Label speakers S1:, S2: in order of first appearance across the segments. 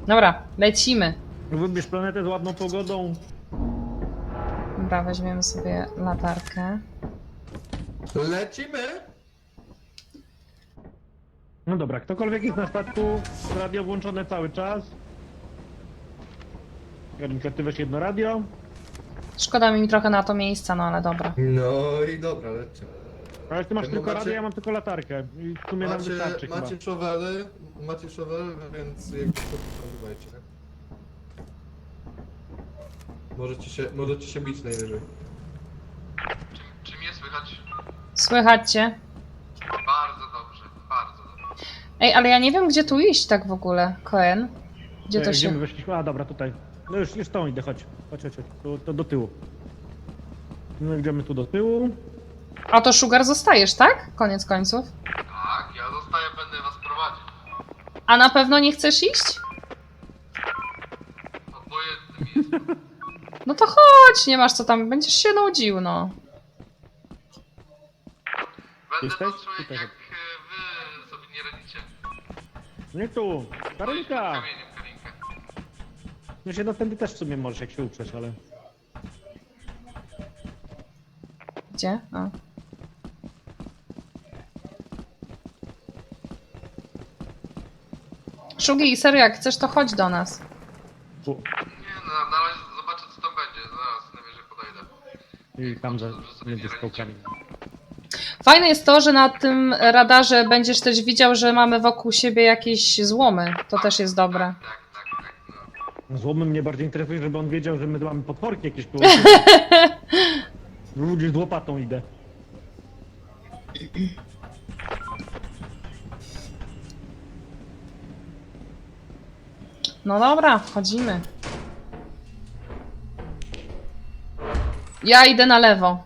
S1: Dobra, lecimy.
S2: Wybierz planetę z ładną pogodą.
S1: Dobra, weźmiemy sobie latarkę.
S3: Lecimy!
S2: No dobra, ktokolwiek jest na statku, radio włączone cały czas. Karinka, ty weź jedno radio.
S1: Szkoda mi trochę na to miejsca, no ale dobra.
S3: No i dobra, lecimy.
S2: Ale ty masz
S3: No
S2: tylko
S3: macie-
S2: radio, ja mam tylko latarkę. I w sumie nam wystarczy chyba.
S3: Macie szowele, więc jakby to używajcie. Możecie się bić najwyżej.
S4: Czy mnie słychać?
S1: Słychać cię?
S4: Bardzo dobrze, bardzo dobrze.
S1: Ej, ale ja nie wiem, gdzie tu iść tak w ogóle, Koen. Gdzie to
S2: Gdzie my
S1: się...
S2: weszliśmy? A dobra, tutaj. No już tą idę, chodź. Chodź. To do tyłu. No idziemy tu do tyłu.
S1: A to Sugar zostajesz, tak? Koniec końców.
S4: Tak, ja zostaję, będę was prowadził.
S1: A na pewno nie chcesz iść?
S4: Obojętnym jest.
S1: No to chodź, nie masz co tam, będziesz się nudził, no.
S4: Będę
S2: Jesteś?
S4: patrzył,
S2: Tutaj.
S4: jak wy sobie nie radzicie.
S2: Nie tu! Karinka!
S4: Kamieniem, Karinkę.
S2: No się tędy też w sumie możesz, jak się uprzesz, ale...
S1: Gdzie? A. Shugi, serio, jak chcesz, to chodź do nas.
S2: Tu.
S4: Nie no, na razie zobaczę co tam będzie, zaraz najwyżej podejdę.
S2: I tam za między skałkami.
S1: Fajne jest to, że na tym radarze będziesz też widział, że mamy wokół siebie jakieś złomy. To też jest dobre.
S4: Tak, no.
S2: Złomy mnie bardziej interesuje, żeby on wiedział, że my mamy potworki jakieś koło. Ludzie z łopatą idę.
S1: No dobra, wchodzimy. Ja idę na lewo.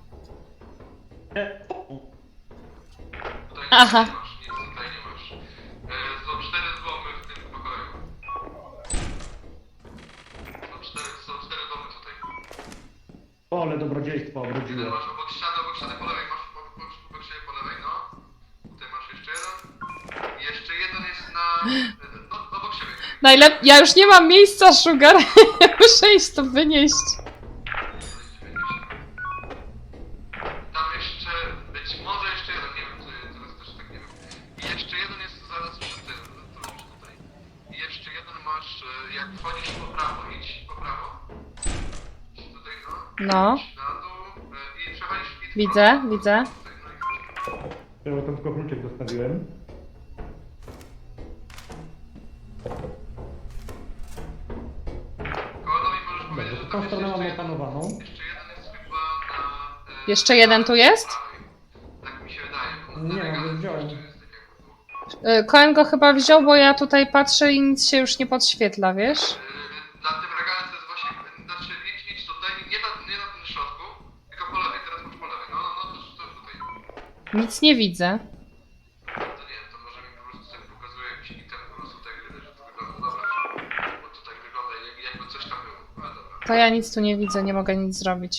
S4: Tutaj
S1: Aha.
S4: nie masz, nic tutaj nie masz. Są 4 złomy w tym pokoju. Są 4 domy tutaj.
S2: Ole, dobrodziejstwo
S4: Jeden
S2: obrodziło.
S4: masz obok ściany po lewej, masz obok siebie po lewej, no. Tutaj masz jeszcze jeden. I jeszcze jeden jest na... obok siebie.
S1: Ja już nie mam miejsca, Sugar. Muszę iść to wynieść.
S4: Tam jeszcze, być może jeszcze jeden, nie wiem, teraz też tak nie wiem. I jeszcze jeden jest zaraz przy tym, tutaj. I jeszcze jeden masz, jak wchodzisz po prawo, idź po prawo. Idź tutaj, no.
S1: No,
S4: Idź na dół i przechodzisz i
S1: widzę, widzę.
S4: Tutaj, no i chodź.
S2: Ja tam tylko kluczyk zostawiłem.
S4: Kołodowi możesz powiedzieć, że
S2: Dobrze,
S4: tam
S2: tą
S4: jest
S2: stronę mamy
S4: jeszcze jeden.
S2: opanowaną.
S4: Jeszcze jeden jest chyba na...
S1: Jeszcze jeden tu jest?
S4: Tak mi się wydaje. Bo
S2: Nie,
S4: na
S2: no,
S4: regale
S2: wziąłem.
S4: jeszcze jest tak jakby tu.
S1: Koen go chyba wziął, bo ja tutaj patrzę i nic się już nie podświetla, wiesz?
S4: Na tym regale to jest właśnie, znaczy idź tutaj, nie na tym środku, tylko po lewej, teraz masz po lewej, no to tutaj.
S1: Nic nie widzę.
S4: To nie, to może mi po prostu tak pokazuje jakiś item po prostu tej gry, że to wygląda, dobra, bo to tak wygląda jakby coś tam było, ale dobra.
S1: To ja nic tu nie widzę, nie mogę nic zrobić.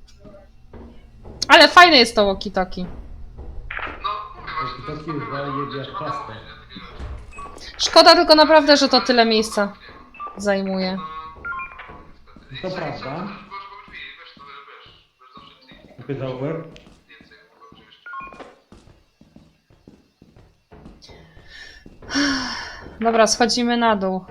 S1: Ale fajne jest to walkie-talkie.
S4: No, mówię właśnie, to jest
S2: Taki
S4: spoko,
S2: jedzie
S4: trzeba
S2: prosto.
S4: mówić, nie, takie rzeczy.
S1: Szkoda tylko naprawdę, że to tyle miejsca zajmuje.
S4: Niestety.
S2: To
S4: I co,
S2: prawda.
S4: i co, też było, żeby drzwi, wiesz, to wiesz zawsze kliknij.
S2: Pytał łeb.
S4: Więcej chyba oczywiście.
S1: Dobra, schodzimy na dół.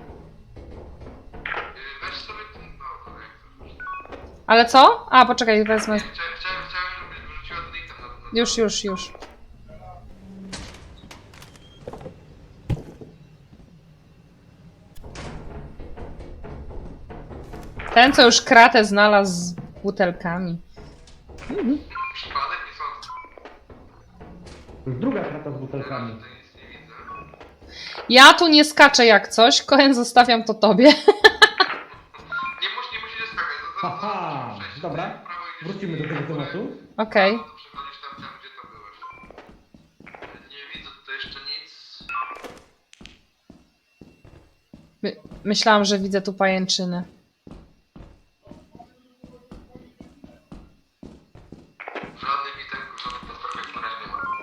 S4: Weź sobie ten, no, jak chcesz.
S1: Ale co? A, poczekaj, wezmę.
S4: Chciałem, żebyś wyrzuciła ten item na...
S1: Już. Ten, co już kratę znalazł z butelkami.
S4: Przypadek nie sądzę.
S2: To jest druga krata z butelkami.
S4: Tutaj nic nie widzę.
S1: Ja tu nie skaczę jak coś, Koen, zostawiam to tobie.
S4: Nie musisz skakać.
S2: Aha,
S4: Przejść
S2: dobra.
S4: w prawo i
S2: Wrócimy do tego tematu.
S1: Okej.
S4: No to przechodzisz tam, gdzie to byłeś. Nie widzę tutaj jeszcze nic.
S1: Myślałam, że widzę tu pajęczyny.
S4: Żadnych witemków, żadnych potworek na razie nie ma.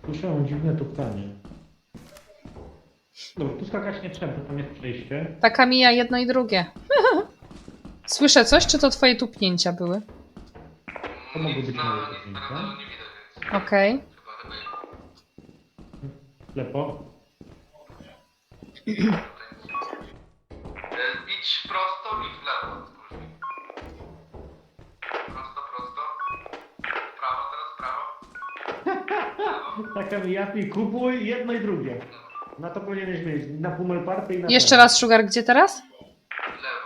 S2: Słyszałem dziwne tuptanie. Dobra, tu skakać nie trzeba, tam jest przejście.
S1: Taka mija jedno i drugie. Słyszę coś, czy to twoje tupnięcia były?
S2: To mogło być moje
S4: Nic na
S2: tupnięcia.
S4: radarze nie widać, więc
S1: Okej.
S4: chyba nie.
S2: Lepo.
S4: Idź prosto i w lewo. Spójrz mi. Prosto, prosto. W prawo, teraz w prawo.
S2: Taka mi jasni, kupuj jedno i drugie. Na to powinieneś mieć, na Pummel Party i na
S1: Jeszcze
S2: ten.
S1: raz, Sugar, gdzie teraz?
S4: W lewo.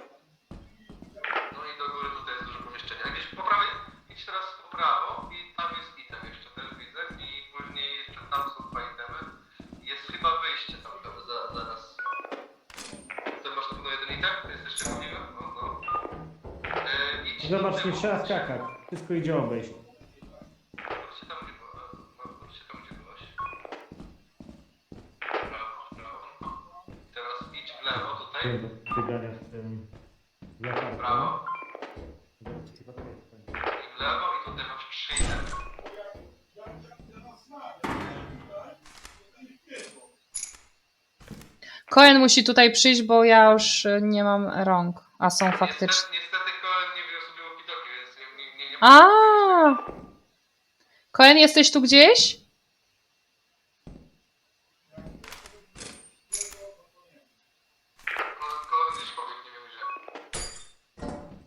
S4: No i do góry tutaj jest dużo pomieszczenia. Gdzieś po prawej, idź teraz po prawo i tam jest item jeszcze też widzę. I później jeszcze tam są dwa itemy. Jest chyba wyjście tam zaraz. Ty masz na pewno jeden item? To jest jeszcze możliwe? No, no. Idź do
S2: Zobacz, nie
S4: tyłu.
S2: trzeba skakać. Wszystko idzie obejść.
S4: Wróćcie tam, gdzie była. No, wróćcie tam, gdzie byłaś. Prawo, prawo. Teraz idź w lewo tutaj.
S2: Nie do biegania z tym latarką.
S4: Prawo. I w lewo i tutaj masz 3 itemy.
S1: Cohen musi tutaj przyjść, bo ja już nie mam rąk. A są faktycznie.
S4: Niestety Cohen nie wziął sobie walkie-talkie, więc nie
S1: A! Cohen, jesteś tu gdzieś?
S4: Cohen gdzieś pobiegł, nie wiem gdzie.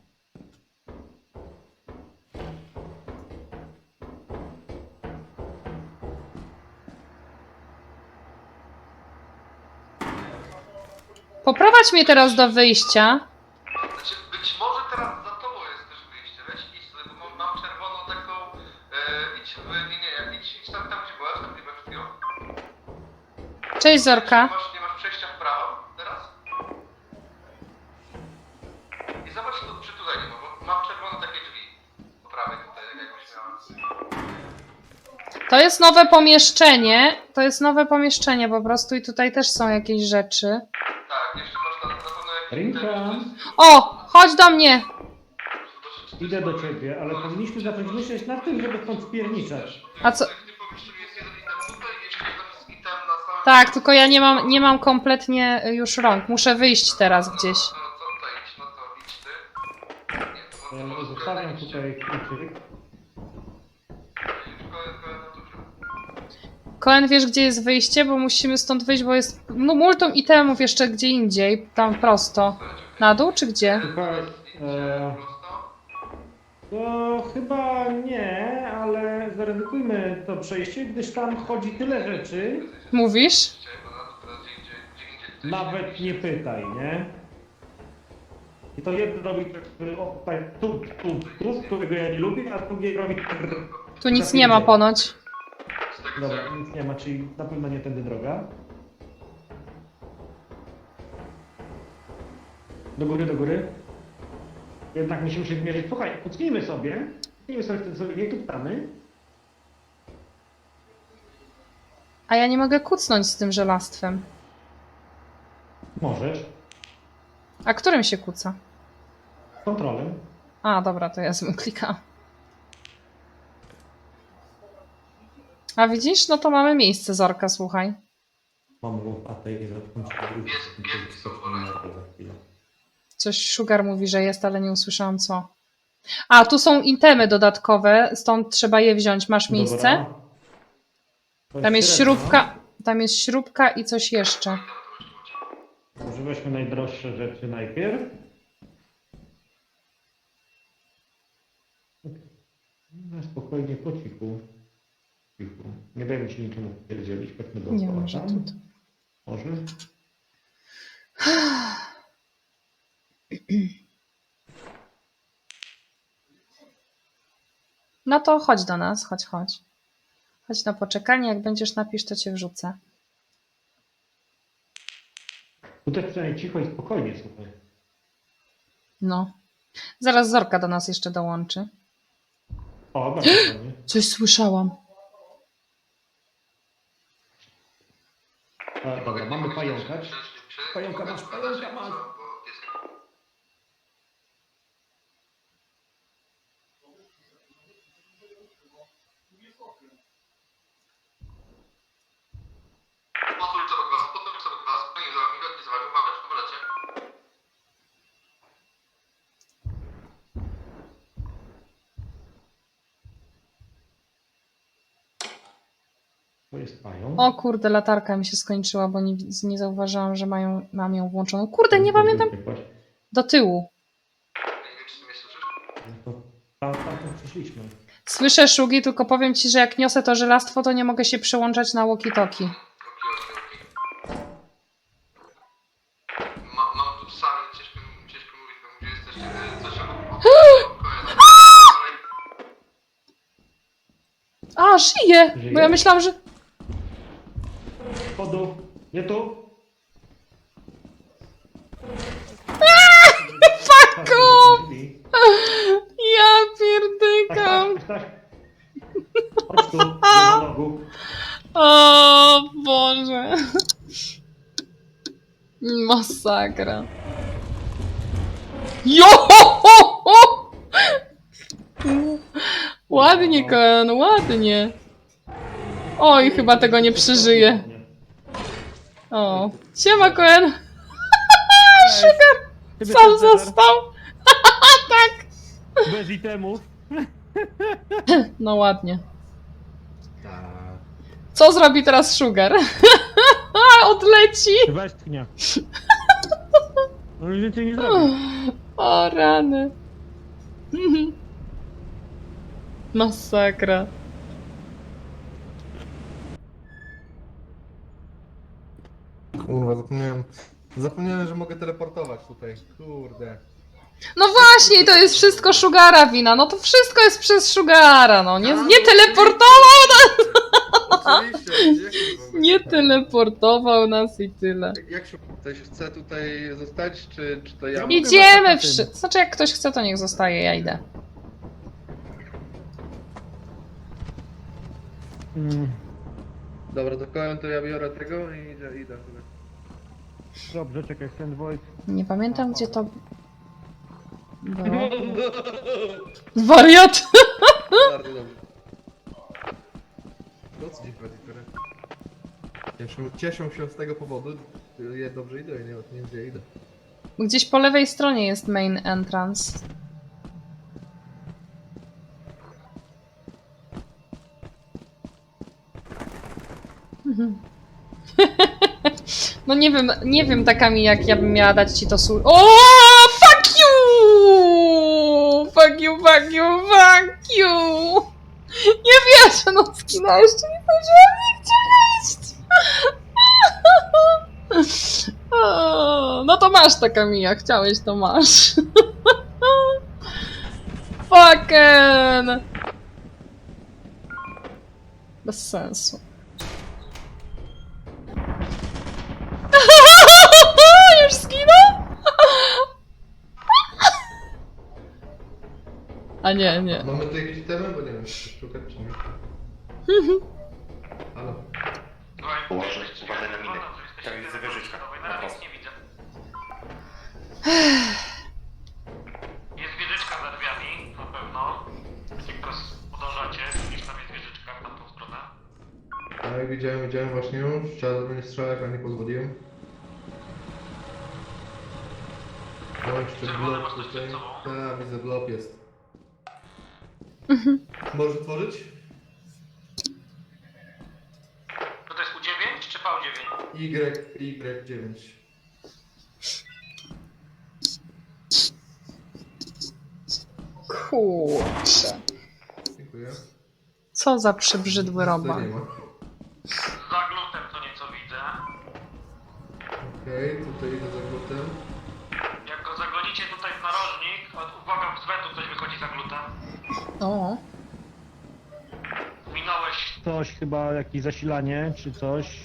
S1: Poprowadź mnie teraz do wyjścia.
S4: Znaczy, być może teraz za tobą jest też wyjście, weź idź tutaj, bo mam czerwoną taką, idź w, idź tam, gdzie byłaś, tam gdzie byłaś przed chwilą.
S1: Cześć, Zorka.
S4: Nie masz przejścia w prawo teraz? I zobacz, czy tutaj nie ma, bo mam czerwone takie drzwi. Po prawej tutaj, jakbyś miała.
S1: To jest nowe pomieszczenie. To jest nowe pomieszczenie po prostu i tutaj też są jakieś rzeczy.
S4: Tak, jeszcze masz na pewno jakieś...
S2: Rinka,
S1: O! Chodź do mnie!
S2: idę do ciebie, ale powinniśmy zacząć myśleć nad tym, żeby stąd spierniczać.
S1: A co?
S4: W tym pomieszczeniu jest jeden item tutaj, jeszcze jeden jest item na samym...
S1: Tak, tylko ja nie mam kompletnie już rąk. Muszę wyjść teraz gdzieś.
S4: No to idź, no to idź ty. Nie,
S2: Ja zostawiam tutaj kluczyk.
S1: Cohen, wiesz gdzie jest wyjście? Bo musimy stąd wyjść, bo jest no, multum itemów jeszcze gdzie indziej. Tam prosto. Na dół czy gdzie?
S2: Słuchaj, to chyba nie, ale zaryzykujmy to przejście, gdyż tam chodzi tyle rzeczy.
S1: Mówisz?
S2: Nawet nie pytaj, nie? I to jedno robi tu, którego ja nie lubię, a drugie robi...
S1: Tu nic nie ma ponoć.
S2: Dobra, nic nie ma, czyli na pewno nie tędy droga. Do góry, do góry. Jednak musimy się zmierzyć. Słuchaj, kucnijmy sobie nie tuptamy.
S1: A ja nie mogę kucnąć z tym żelastwem.
S2: Możesz.
S1: A którym się kuca?
S2: Kontrolem.
S1: A, dobra, to ja złym klikam. A widzisz? No to mamy miejsce, Zorka, słuchaj.
S2: Mam łopatę i zatknąć
S1: Coś Sugar mówi, że jest, ale nie usłyszałam co. A, tu są itemy dodatkowe, stąd trzeba je wziąć. Masz miejsce? Tam jest śrubka, tam jest śrubka i coś jeszcze.
S2: Może weźmy najdroższe rzeczy najpierw. No, spokojnie, po cichu. Cichu. Nie dajmy się niczemu pierdzielić. Chodźmy do
S1: Nie może tu.
S2: Może?
S1: No to chodź do nas, chodź, chodź. Chodź na poczekanie, jak będziesz napisz, to cię wrzucę.
S2: Tutaj przynajmniej cicho i spokojnie, słuchaj.
S1: No. Zaraz Zorka do nas jeszcze dołączy.
S2: O, bardzo ładnie.
S1: Coś słyszałam.
S2: A, dobra, mamy pająka. Pająka masz, pająka masz. To jest pająk.
S1: O kurde, latarka mi się skończyła, bo nie zauważyłam, że mam ją włączoną. Kurde, nie pamiętam. Do tyłu.
S4: Ja nie wiem, czy ty mnie słyszysz?
S2: No to tam przyszliśmy.
S1: Słyszę szugi, tylko powiem ci, że jak niosę to żelastwo, to nie mogę się przełączać na walkie-talkie.
S4: Okej. Mam tu psami, ciężko mówić, tam gdzie jesteście. Coś
S1: A, żyje! Bo ja
S2: Żyje?
S1: myślałam, że...
S2: Chodu, nie tu.
S1: Fuck off! Ja pierdykam!
S2: Chodź tu, do monologu.
S1: O Boże. Masakra. Jo! Ładnie, Koen, ładnie. Oj, chyba tego nie przeżyję. O, siema, Koen.
S2: Ciebie
S1: Sam
S2: też, Cezar.
S1: został. Tak.
S2: Bez itemów.
S1: No ładnie.
S3: Tak.
S1: Co zrobi teraz Sugar? Odleci.
S2: Westchnia. No już więcej nie zrobi.
S1: O rany. Masakra.
S3: Kurwa, zapomniałem, że mogę teleportować tutaj. Kurde.
S1: No właśnie, to jest wszystko Sugara wina. No to wszystko jest przez Sugara, no. Nie teleportował nas.
S3: Oczywiście, jak to w ogóle?
S1: Nie teleportował nas i tyle.
S3: Jak się ktoś chce tutaj zostać, czy to ja?
S2: mogę
S1: Idziemy
S2: na
S1: wszyscy. Znaczy, jak ktoś chce, to niech zostaje, ja idę.
S2: Mm,
S3: Dobra, to kołem to ja biorę tego i idę.
S2: dobrze, czekaj, Sand Void.
S1: Nie pamiętam, gdzie to było. Wariat!
S3: Bardzo dobrze. No co ci chodzi, które? Cieszą się z tego powodu. Ja dobrze idę, nie wiem gdzie idę.
S1: Gdzieś po lewej stronie jest main entrance. No nie wiem takami jak ja bym miała dać ci to sól. O, fuck you! Fuck you, fuck you, fuck you! Nie wierzę, no skina jeszcze nie zdążyłam nigdzie wejść. O, no to masz taka Mija, chciałeś to masz. Fucking! Bez sensu. Już zginął? A nie, nie.
S3: Mamy tu jakieś temy, bo nie wiem, czy szukać czy nie. Halo.
S5: Położę, uważaj na minę. Tam widzę wieżyczka. Na prosto.
S4: nie widzę. Jest wieżyczka za drzwiami, na pewno. Jak teraz podążacie, gdzieś tam jest wieżyczka w tamtą stronę.
S3: Tak, widziałem właśnie już. Chciałem do mnie strzelać, ale nie pozwoliłem. O, jeszcze
S4: Czerwony
S3: blok
S4: masz coś
S3: tutaj.
S4: przed sobą?
S3: Tak, widzę, blok jest. Możesz otworzyć?
S4: To jest U9 czy V9?
S3: Y9.
S1: Kurczę.
S3: Dziękuję.
S1: Co za przybrzydły
S3: To
S1: robak.
S3: nie ma.
S4: Za glutem co nieco widzę.
S3: Okej, tutaj idę za glutem.
S4: Jak go zagonicie tutaj w narożnik, uwaga, z wentu ktoś wychodzi za glutem.
S1: O,
S4: Minąłeś.
S2: Coś chyba, jakieś zasilanie, czy coś.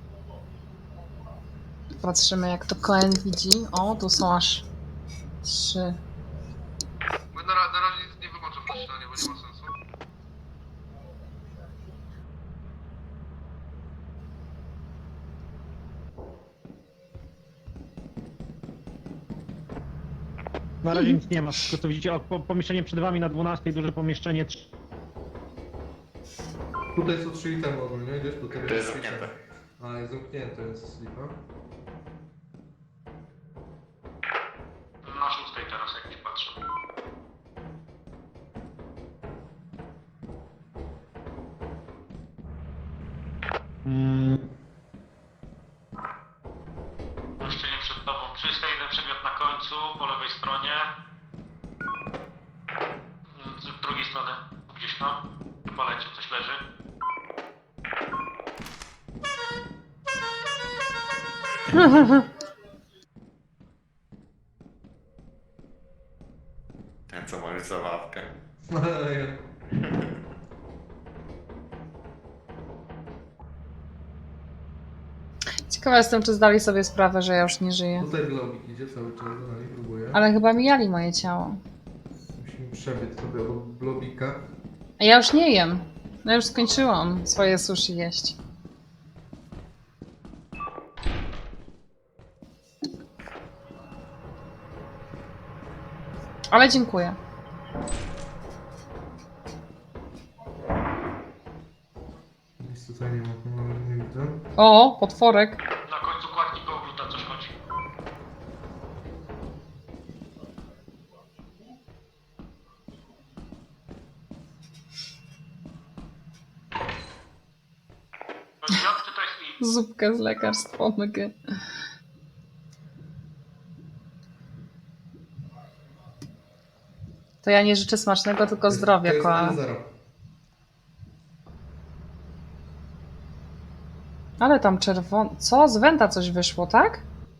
S1: patrzymy jak to Koen widzi. O, tu są aż 3.
S4: Na razie nic nie wyłączam zasilania, bo nie ma sensu.
S2: Na razie nic nie ma, tylko to widzicie, o, pomieszczenie przed wami na 12, duże pomieszczenie.
S3: Tutaj są 3 itemy ogólnie, gdzieś tutaj
S5: To jest
S3: trzy
S5: zamknięte.
S3: itemy. A, jest zamknięte, jest slipa.
S4: Na szóstej teraz jak ci patrzę.
S6: Pomieszczenie przed tobą. Czyste, jeden przedmiot na końcu, po lewej stronie. Z drugiej strony, gdzieś tam. W palecie coś leży.
S5: Ten co ma już zabawkę.
S1: Ciekawa jestem, czy zdali sobie sprawę, że ja już nie żyję.
S3: Tutaj globik idzie cały czas, na nich próbuję.
S1: Ale chyba mijali moje ciało.
S3: Musimy przebiec sobie obok globika.
S1: A ja już nie jem. Ja już skończyłam swoje sushi jeść. Ale dziękuję.
S3: Nic tutaj nie ma, nie widzę.
S1: O, potworek.
S6: Na końcu kładki kołgluta coś chodzi. To jest J, czy to jest I?
S1: Zupkę z lekarstwa omega. To ja nie życzę smacznego, tylko zdrowia,
S3: To jest
S1: koala.
S3: 1-0.
S1: Ale tam czerwono... Co? Z Wenta coś wyszło, tak?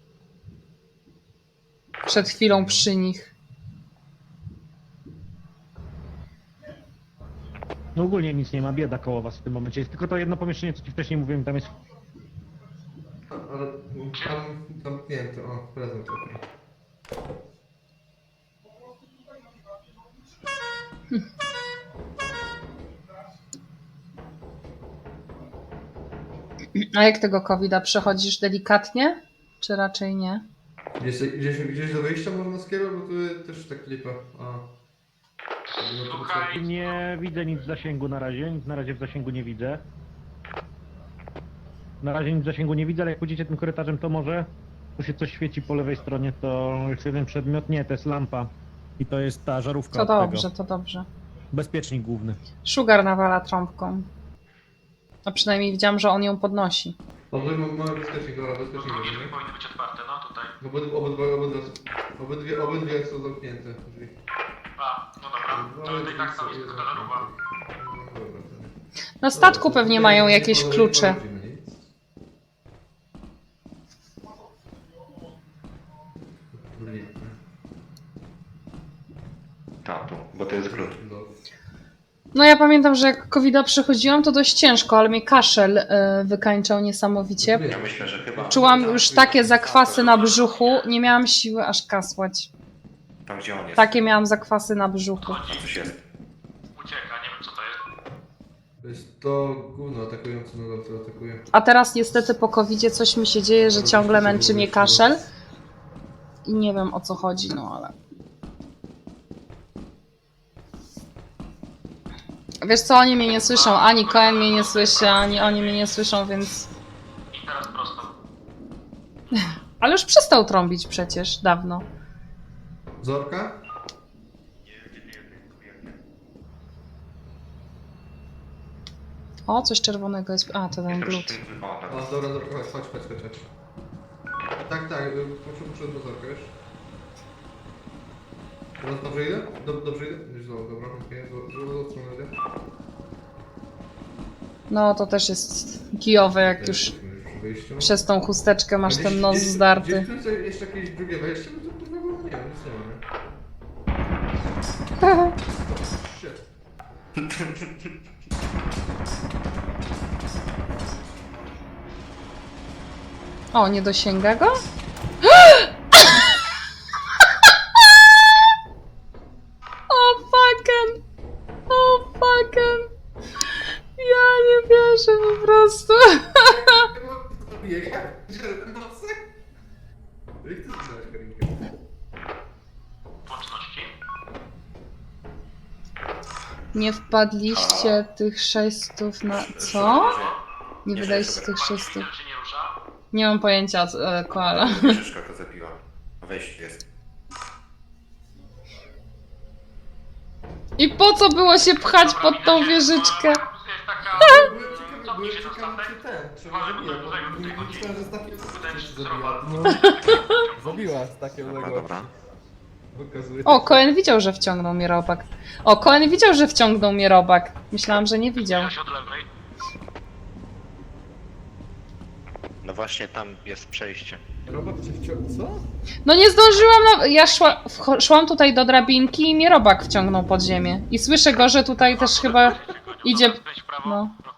S1: Przed chwilą przy nich.
S2: No ogólnie nic nie ma, bieda koło was w tym momencie. Jest tylko to jedno pomieszczenie, co ci wcześniej mówiłem, tam jest...
S3: Ale tam zamknięte, o, prezent okej.
S1: A jak tego COVID-a przechodzisz delikatnie? Czy raczej nie?
S3: Gdzieś do wyjścia można skierować, bo tu też tak lipa. A.
S6: Słuchaj,
S2: Nie widzę nic w zasięgu na razie, nic na razie w zasięgu nie widzę. Na razie nic w zasięgu nie widzę, ale jak pójdziecie tym korytarzem, to może tu się coś świeci po lewej stronie, to jest jeden przedmiot, nie, to jest lampa. I to jest ta żarówka
S1: To
S2: od
S1: dobrze,
S2: tego.
S1: to dobrze.
S2: Bezpiecznik główny.
S1: Sugar nawala trąbką. A przynajmniej widziałam, że on ją podnosi.
S3: Mamy bezpiecznik, dobra, bezpiecznik.
S6: drugie
S3: nie?
S6: drzwi powinny być otwarte, no tutaj.
S3: Obydwie są zamknięte drzwi.
S6: A, no dobra. To i tak tam jest tylko ta żarówa.
S1: Na statku pewnie mają jakieś klucze.
S5: Tak, tu, bo to jest glut.
S1: No ja pamiętam, że jak COVID-a przechodziłam, to dość ciężko, ale mnie kaszel wykańczał niesamowicie.
S5: Ja myślę, że chyba...
S1: Czułam już takie zakwasy na brzuchu, nie miałam siły aż kasłać.
S5: Tam gdzie on jest.
S1: Takie miałam zakwasy na brzuchu.
S5: Tam coś jest.
S6: Ucieka, nie wiem co to jest.
S3: To jest to gówno atakujące nogą, co atakuje.
S1: A teraz niestety po COVID-zie coś mi się dzieje, że ciągle męczy mnie kaszel. I nie wiem o co chodzi, no ale... Wiesz co, oni mnie nie słyszą, ani Cohen mnie nie słyszy, ani oni mnie nie słyszą, więc...
S6: I teraz prosto.
S1: Ale już przestał trąbić przecież, dawno.
S3: Zorka?
S1: O, coś czerwonego jest... A, to ten
S5: Jestem
S1: glut.
S5: przy tym wypadek.
S3: O, dobra, Zorka, chodź. Tak, muszę do Zorka, wiesz? Teraz dobrze idę? Dobrze idę? Już dobra, okej, złą stronę idę.
S1: No, to też jest kijowe, jak już
S3: Przy wyjściu.
S1: przez tą chusteczkę masz ten nos
S3: Gdzieś
S1: zdarty.
S3: tu jeszcze jakieś drugie wejście, no to kurwa było, nie wiem, nic nie ma, nie? Shit.
S1: O, nie dosięga go? O fucking! O fucking! Ja nie wierzę po prostu.
S3: Jak nocy? Jak ty znasz Karinkę?
S6: Łączności.
S1: Nie wpadliście tych 600 na... Co? Nie wydaliście tych 600.
S6: Widzę, że się nie rusza.
S1: Nie mam pojęcia, koala.
S5: Krzyżka go zabiła. Wejście jest.
S1: I po co było się pchać pod tą wieżyczkę?
S6: Jest taka... Co cofnij się na
S3: ciekawy,
S6: statek.
S3: czy ten, czy
S6: Uważaj,
S3: zabija,
S6: bo dużego
S3: bo
S6: tutaj
S3: nie
S6: chodzi.
S3: myślałem, że z takiej
S6: Wydaje mi się, że
S3: zabiła.
S6: zrobiła.
S3: Zabiła z takiej
S5: Dobra,
S3: odległości.
S5: dobra.
S3: Okazuje
S1: O,
S3: się.
S1: Cohen widział, że wciągnął mnie robak. O, Cohen widział, że wciągnął mnie robak. Myślałam, że nie widział.
S6: Zbliża się od lewej.
S5: No właśnie tam jest przejście.
S3: Robot cię wciągnął, co?
S1: No nie zdążyłam, ja szłam tutaj do drabinki i mnie robak wciągnął pod ziemię. I słyszę go, że tutaj też chyba idzie...
S6: Skręć w prawo
S1: No.
S6: trochę.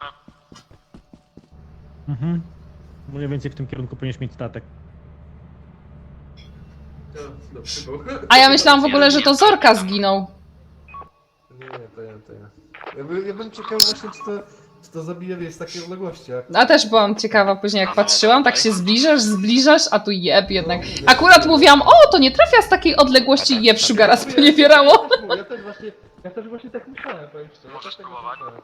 S2: Mhm. Mniej więcej w tym kierunku powinieneś mieć statek.
S3: Ja, no, przybył.
S1: A ja myślałam w ogóle, że to Zorka zginął.
S3: Nie, to ja. Ja bym ciekaw właśnie, czy to zabija, wiesz, z takiej odległości, jak...
S1: A też byłam ciekawa później, jak patrzyłam, tak się zbliżasz, a tu jeb jednak. Akurat mówiłam, o, to nie trafia z takiej odległości, jeb Sugara sponiewierało.
S3: Ja też właśnie tak myślałem, powiem szczerze.
S6: Możesz
S3: Ja też tak
S6: spróbować.
S3: myślałem.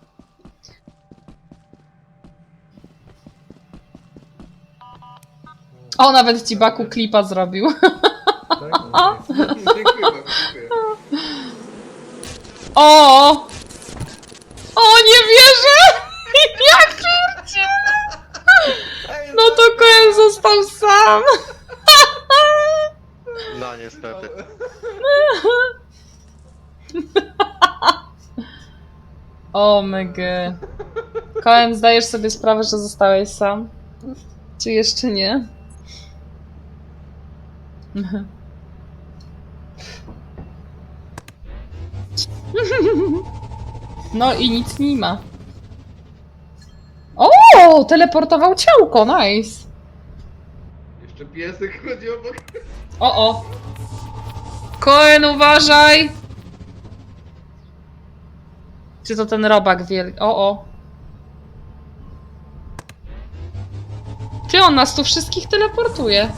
S1: O, nawet ci Baku klipa zrobił.
S3: Tak? No, dziękuję bardzo, dziękuję.
S1: O! O, nie wierzę! Ja pierdzielę! No to Cohen został sam.
S5: No niestety.
S1: O mega. Cohen, zdajesz sobie sprawę, że zostałeś sam? Czy jeszcze nie? No i nic nie ma. O, teleportował ciałko, nice.
S3: Jeszcze piesek chodzi obok.
S1: O. Cohen, uważaj! Czy to ten robak wielki? O. Ty, on nas tu wszystkich teleportuje.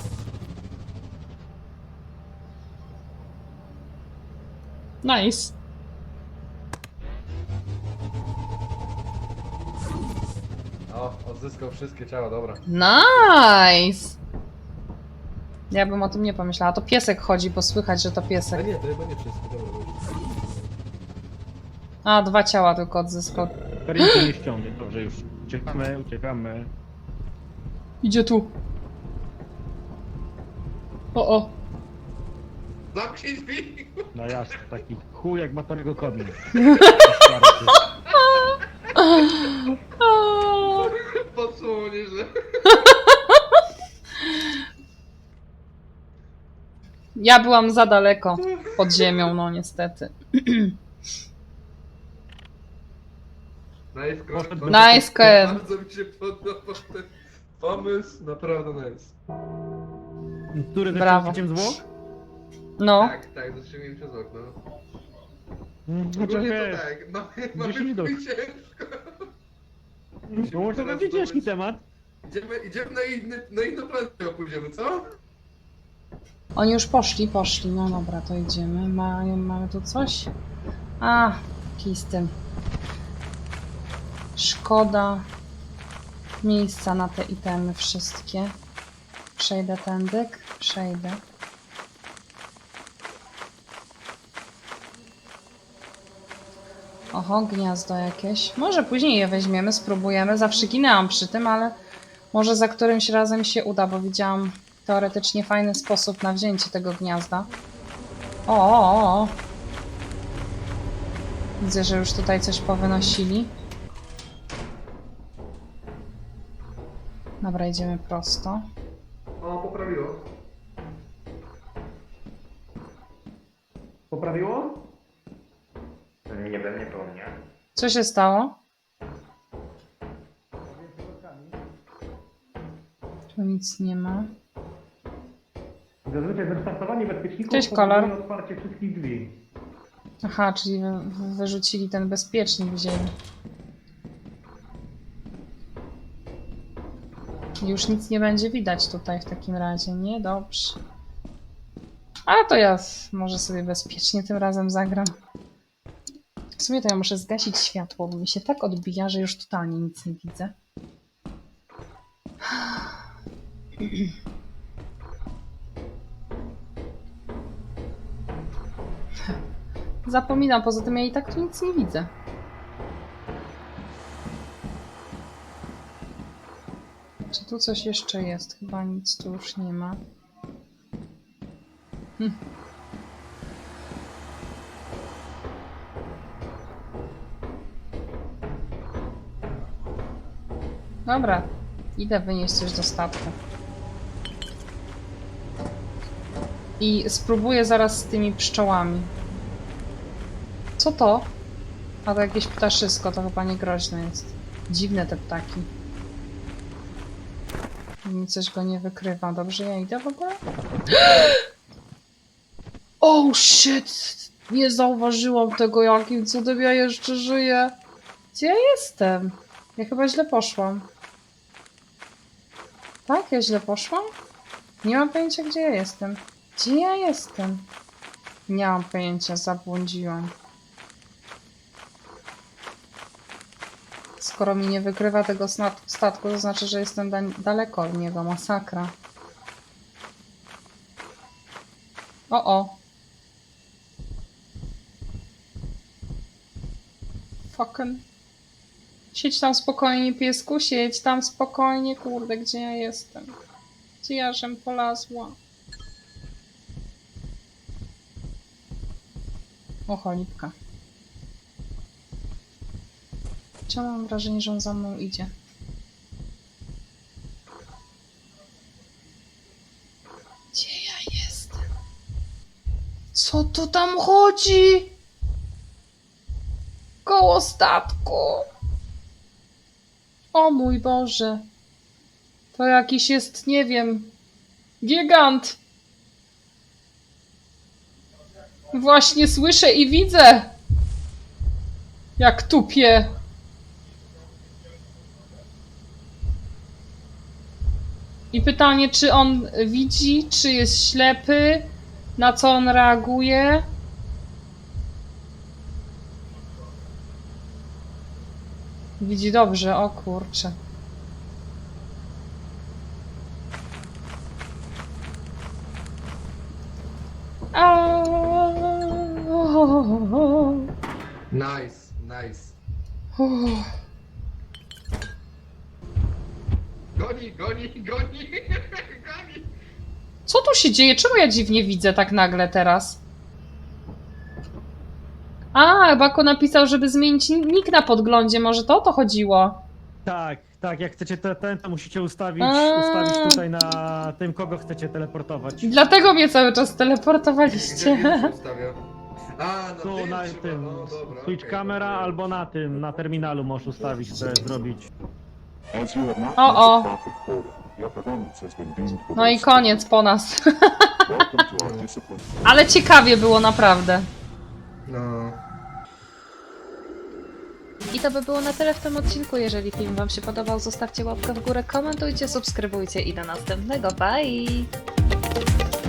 S1: Nice.
S3: O, odzyskał wszystkie ciała, dobra.
S1: Nice! Ja bym o tym nie pomyślała. To piesek chodzi, bo słychać, że to
S3: A
S1: piesek.
S3: nie, to chyba nie wszystkie, dobra. Dobra.
S1: A, 2 ciała tylko odzyskał.
S2: Karinki nie ściągnie, dobrze już. Uciekamy.
S1: Idzie tu. O.
S3: Zamknij drzwi!
S2: No jasne, taki chuj jak batorego kodny.
S3: Podsłuchał nieźle.
S1: Ja byłam za daleko pod ziemią, no niestety.
S3: Nice,
S2: Poszedł
S1: Nice, Cohen.
S3: Bardzo mi się podobał ten pomysł, naprawdę nice.
S2: Który
S1: Brawo.
S2: też zło?
S1: No.
S3: Tak, zatrzymałem przez okno.
S2: Chociaż
S3: Ogólnie
S2: wiesz,
S3: to tak,
S2: gdzieś
S3: mamy
S2: widok.
S3: ciężko.
S2: no może to będzie ciężki temat.
S3: Idziemy na inną planetę, pójdziemy, co?
S1: Oni już poszli. No dobra, to idziemy. Mamy tu coś? A, kij z tym. Szkoda miejsca na te itemy wszystkie. Przejdę tędy. Przejdę. Oho, gniazdo jakieś. Może później je weźmiemy, spróbujemy. Zawsze ginęłam przy tym, ale może za którymś razem się uda, bo widziałam teoretycznie fajny sposób na wzięcie tego gniazda. O. Widzę, że już tutaj coś powynosili. Dobra, idziemy prosto.
S3: O, poprawiło.
S2: Poprawiło?
S5: Nie wiem, nie było mnie.
S1: Co się stało? Tu nic nie ma.
S2: Zazwyczaj wystartowanie bezpieczników
S1: Cześć, Kolor.
S2: powoduje otwarcie wszystkich drzwi.
S1: Aha, czyli wyrzucili ten bezpiecznik, wzięli. Już nic nie będzie widać tutaj w takim razie, nie? Dobrze. A to ja może sobie bezpiecznie tym razem zagram. W sumie to ja muszę zgasić światło, bo mi się tak odbija, że już totalnie nic nie widzę. Zapominam, poza tym ja i tak tu nic nie widzę. Czy tu coś jeszcze jest? Chyba nic tu już nie ma. Hm. Dobra, idę wynieść coś do statku. I spróbuję zaraz z tymi pszczołami. Co to? A to jakieś ptaszysko, to chyba nie groźne jest. Dziwne te ptaki. Mi coś go nie wykrywa. Dobrze, ja idę w ogóle? Oh shit! Nie zauważyłam tego, jakim cudem ja jeszcze żyję. Gdzie ja jestem? Ja chyba źle poszłam. Tak? Ja źle poszłam? Nie mam pojęcia, gdzie ja jestem. Gdzie ja jestem? Nie mam pojęcia, zabłądziłam. Skoro mi nie wykrywa tego statku, to znaczy, że jestem daleko od niego. Masakra. O. Fucking. Siedź tam spokojnie, piesku, siedź tam spokojnie. Kurde, gdzie ja jestem? Gdzie ja żem polazła? O, cholipka. Ciągle mam wrażenie, że on za mną idzie. Gdzie ja jestem? Co tu tam chodzi? Koło statku. O mój Boże. To jakiś jest, nie wiem, gigant. Właśnie słyszę i widzę. Jak tupie. I pytanie, czy on widzi, czy jest ślepy, na co on reaguje. Widzi dobrze, o kurczę.
S3: Nice, nice. Goni, goni, goni, goni.
S1: Co tu się dzieje? Czemu ja dziwnie widzę tak nagle teraz? A, Bako napisał, żeby zmienić nick na podglądzie. Może to o to chodziło?
S2: Tak, jak chcecie to musicie ustawić tutaj na tym, kogo chcecie teleportować.
S1: Dlatego mnie cały czas
S3: Gdzie
S1: teleportowaliście.
S3: się ustawia? A, na
S2: Tu
S3: tym
S2: na
S3: trzeba,
S2: tym,
S3: no dobra,
S2: switch
S3: okej,
S2: camera
S3: dobra.
S2: albo na tym, na terminalu możesz ustawić, co jest zrobić.
S1: O. No i koniec po nas. Ale ciekawie było naprawdę.
S3: No.
S7: I to by było na tyle w tym odcinku. Jeżeli film Wam się podobał, zostawcie łapkę w górę, komentujcie, subskrybujcie i do następnego. Bye!